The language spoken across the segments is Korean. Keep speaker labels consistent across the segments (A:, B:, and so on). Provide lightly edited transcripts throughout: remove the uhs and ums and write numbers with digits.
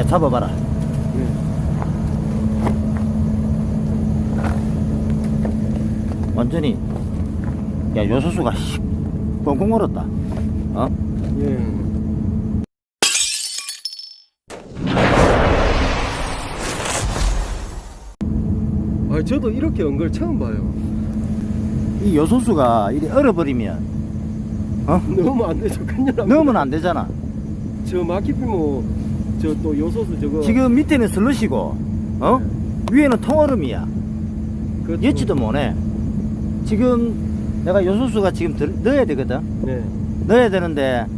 A: 잡아봐라. 완전히 야 요소수가 뻥뻥 얼었다. 어?
B: 예. 아, 저도 이렇게 온 걸 처음 봐요.
A: 이 요소수가 이리 얼어버리면 어?
B: 넣으면 안 되죠. 큰일 납니다.
A: 넣으면 안 되잖아.
B: 저 마키피모 저 또 요소수 저거
A: 지금 밑에는 슬러시고 어? 위에는 통얼음이야.
B: 그것도-
A: 예치도 못해. 지금 내가 요소수가 지금 넣어야 되거든.
B: 네.
A: 넣어야 되는데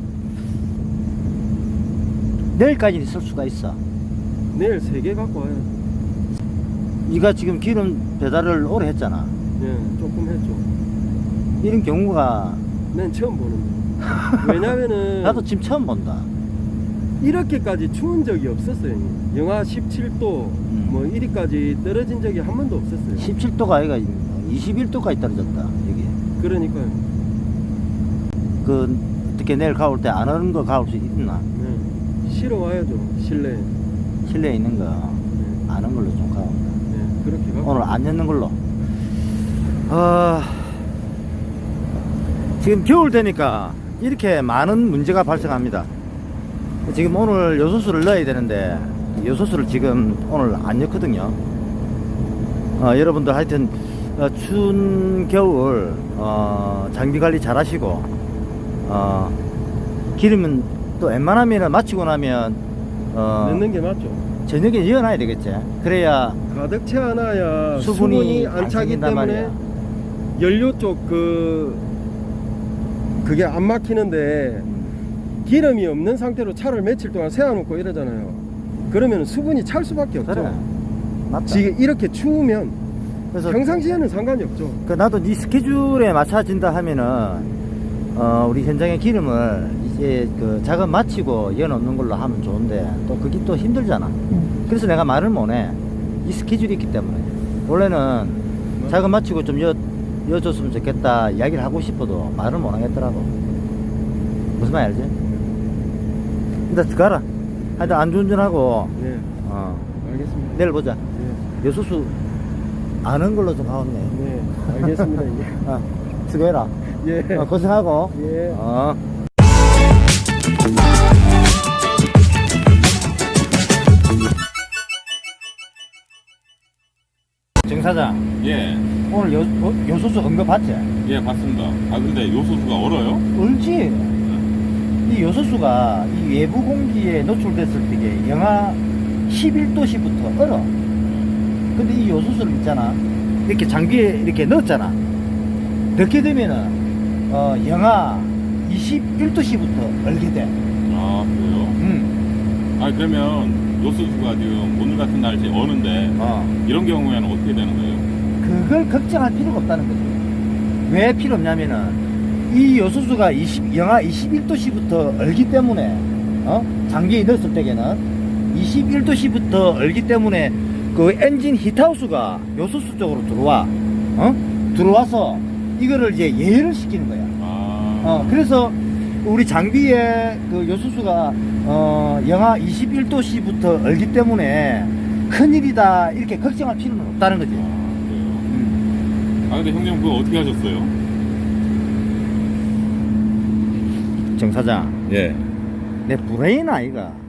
A: 내일까지 있을 수가 있어.
B: 내일 3개 갖고 와요.
A: 네가 지금 기름 배달을 오래 했잖아.
B: 예, 조금 했죠.
A: 이런 경우가
B: 난 처음 보는데. 왜냐면은
A: 나도 지금 처음 본다.
B: 이렇게까지 추운 적이 없었어요. 영하 17도 뭐 이리까지 떨어진 적이 한 번도 없었어요.
A: 17도가 아니가 21도까지 떨어졌다 여기.
B: 그러니까요.
A: 그 어떻게 내일 가올 때 안 오는 거 가올 수 있나?
B: 네. 실어 와야죠. 실내에.
A: 실내에 있는 거
B: 네.
A: 아는 걸로 좀 가온다.
B: 네. 그렇게 갖고.
A: 오늘 안 였는 걸로. 지금 겨울 되니까 이렇게 많은 문제가 발생합니다. 지금 오늘 요소수를 넣어야 되는데 요소수를 지금 오늘 안 넣거든요. 여러분들 하여튼 추운 겨울 장비 관리 잘 하시고 기름은 또 웬만하면 마치고 나면
B: 넣는 게 맞죠.
A: 저녁에 이어놔야 되겠지. 그래야
B: 가득 채워놔야
A: 수분이
B: 수분이
A: 안
B: 안 차기
A: 생긴단
B: 때문에
A: 말이야.
B: 연료 쪽 그게 안 막히는데 기름이 없는 상태로 차를 며칠 동안 세워놓고 이러잖아요. 그러면 수분이 찰 수밖에 없죠.
A: 그래. 맞다.
B: 지금 이렇게 추우면
A: 그래서
B: 평상시에는 상관이 없죠.
A: 나도 네 스케줄에 맞춰진다 하면은 우리 현장의 기름을 이제 그 작업 마치고 이어놓는 걸로 하면 좋은데 또 그게 또 힘들잖아. 그래서 내가 말을 못해. 이 스케줄이 있기 때문에 원래는 작업 마치고 좀 여줬으면 좋겠다 이야기를 하고 싶어도 말을 못 하겠더라고. 무슨 말 알지? 일단 들어가라. 하여튼 안전운전하고
B: 네, 알겠습니다.
A: 내일 보자.
B: 네,
A: 여수수 아는 걸로 좀 가온네.
B: 네, 알겠습니다. 예.
A: 수고해라.
B: 예.
A: 고생하고.
B: 예.
A: 정 사장,
C: 예,
A: 오늘 요소수 언급 봤지?
C: 예, 봤습니다. 아, 근데 요소수가 얼어요?
A: 얼지. 이 요소수가 이 외부 공기에 노출됐을 때 영하 11도씨부터 얼어. 근데 이 요소수를 있잖아. 이렇게 장비에 이렇게 넣었잖아. 넣게 되면은 영하 21도씨부터 얼게 돼.
C: 아, 그래요? 아, 그러면 요소수가 지금 오늘 같은 날씨 어는데 이런 경우에는 어떻게 되는 거예요?
A: 그걸 걱정할 필요가 없다는 거지. 왜 필요 없냐면은 이 요소수가 영하 21도씨부터 얼기 때문에 장비에 넣었을 때에는 21도씨부터 얼기 때문에 그 엔진 히트하우스가 요소수 쪽으로 들어와서 이거를 이제 예열을 시키는 거야. 그래서 우리 장비에 그 요소수가 영하 21도씨부터 얼기 때문에 큰일이다 이렇게 걱정할 필요는 없다는 거지.
C: 아, 근데 형님 그거 어떻게 하셨어요?
A: 정 사장,
C: 예.
A: 내 브레인 아이가